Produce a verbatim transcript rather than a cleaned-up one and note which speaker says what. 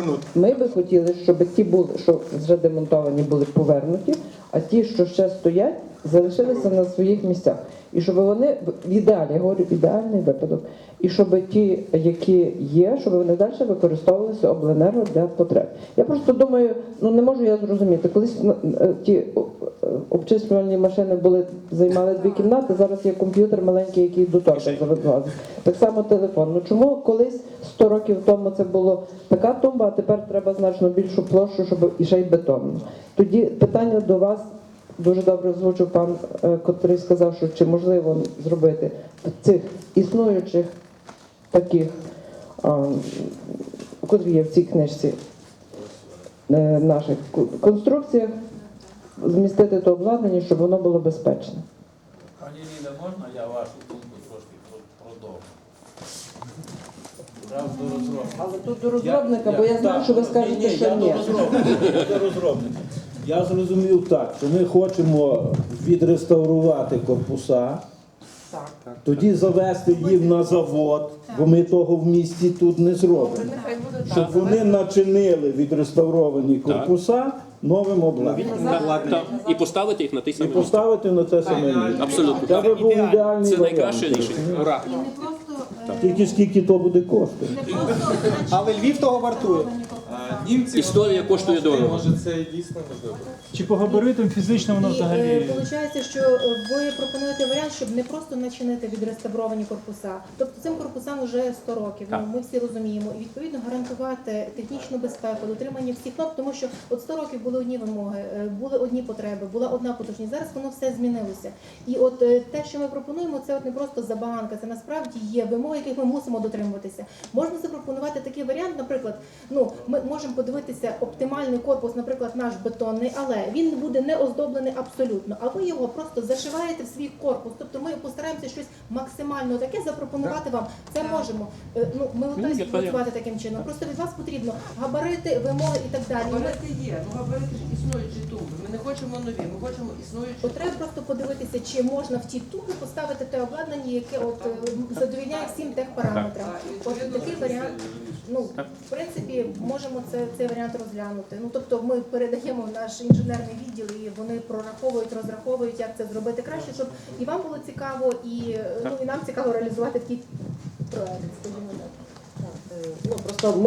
Speaker 1: повернути.
Speaker 2: Ми би хотіли, щоб ті були, що вже демонтовані, були повернуті, а ті, що ще стоять, залишилися на своїх місцях. І щоб вони, в ідеалі, я говорю, ідеальний випадок, і щоб ті, які є, щоб вони далі використовувалися обленерго для потреб. Я просто думаю, ну не можу я зрозуміти, колись ну, е, ті е, обчислювальні машини були, займали дві кімнати, зараз є комп'ютер маленький, який до того завезли. Так само телефон. Ну чому колись сто років тому це було така тумба, а тепер треба значно більшу площу, щоб і ще й бетонну. Тоді питання до вас. Дуже добре озвучив пан, котрий сказав, що чи можливо зробити в цих існуючих таких, котрі є в цій книжці, наших конструкціях, змістити то обладнання, щоб воно було безпечне.
Speaker 3: Пані Ліда, можна я вашу думку трошки продовжу? Раз до розробника.
Speaker 2: Але тут до розробника, бо я знаю, що ви скажете, що ні.
Speaker 3: Я до розробника.
Speaker 4: Я зрозумів так, що ми хочемо відреставрувати корпуса,
Speaker 2: Так.
Speaker 4: тоді завести їх на завод, бо ми того в місті тут не зробимо. Щоб вони начинили відреставровані корпуса новим обладнанням.
Speaker 5: Так, і поставити їх на той
Speaker 4: І
Speaker 5: самий місце.
Speaker 4: поставити на те саме місце.
Speaker 5: Абсолютно.
Speaker 4: Це би був ідеальний
Speaker 5: Це
Speaker 4: варіант.
Speaker 5: найкраще рішення. Ура.
Speaker 6: І не просто, е,
Speaker 4: Тільки скільки то буде коштувати.
Speaker 6: не просто
Speaker 1: Але Львів того вартує.
Speaker 3: Німці
Speaker 5: Історія коштує дорого.
Speaker 3: Може це і дійсно можливо.
Speaker 7: Чи по габаритам фізично воно
Speaker 6: І
Speaker 7: взагалі?
Speaker 6: виходить, що е, ви пропонуєте варіант, щоб не просто начинити відреставровані корпуса. Тобто цим корпусам вже сто років, ну, ми всі розуміємо. І відповідно гарантувати технічну безпеку, дотримання всіх норм, тому що от сто років були одні вимоги, е, були одні потреби, була одна потужність. Зараз воно все змінилося. І от е, те, що ми пропонуємо, це от не просто забаганка, це насправді є вимоги, яких ми мусимо дотримуватися. Можна запропонувати такий варіант, наприклад, ну ми можемо подивитися оптимальний корпус, наприклад, наш бетонний, але він буде не оздоблений абсолютно, а ви його просто зашиваєте в свій корпус. Тобто ми постараємося щось максимально таке запропонувати вам. Це можемо. Е, Ну, ми готові співпрацювати таким чином. Просто від вас потрібно габарити, вимоги і так далі. Ми-
Speaker 8: Габарити є, ну габарити ж існуючі тумби. Ми не хочемо нові, ми хочемо існуючі.
Speaker 6: От треба просто подивитися, чи можна в ті тумби поставити те обладнання, яке от е, задовільняє всім техпараметрам. От такий варіант, ну, в принципі, можемо це, цей варіант розглянути. Ну, тобто ми передаємо в наш інженерний відділ, і вони прораховують, розраховують, як це зробити краще, щоб і вам було цікаво, і, ну, і нам цікаво реалізувати такий проект, скажімо так.
Speaker 2: Ну, просто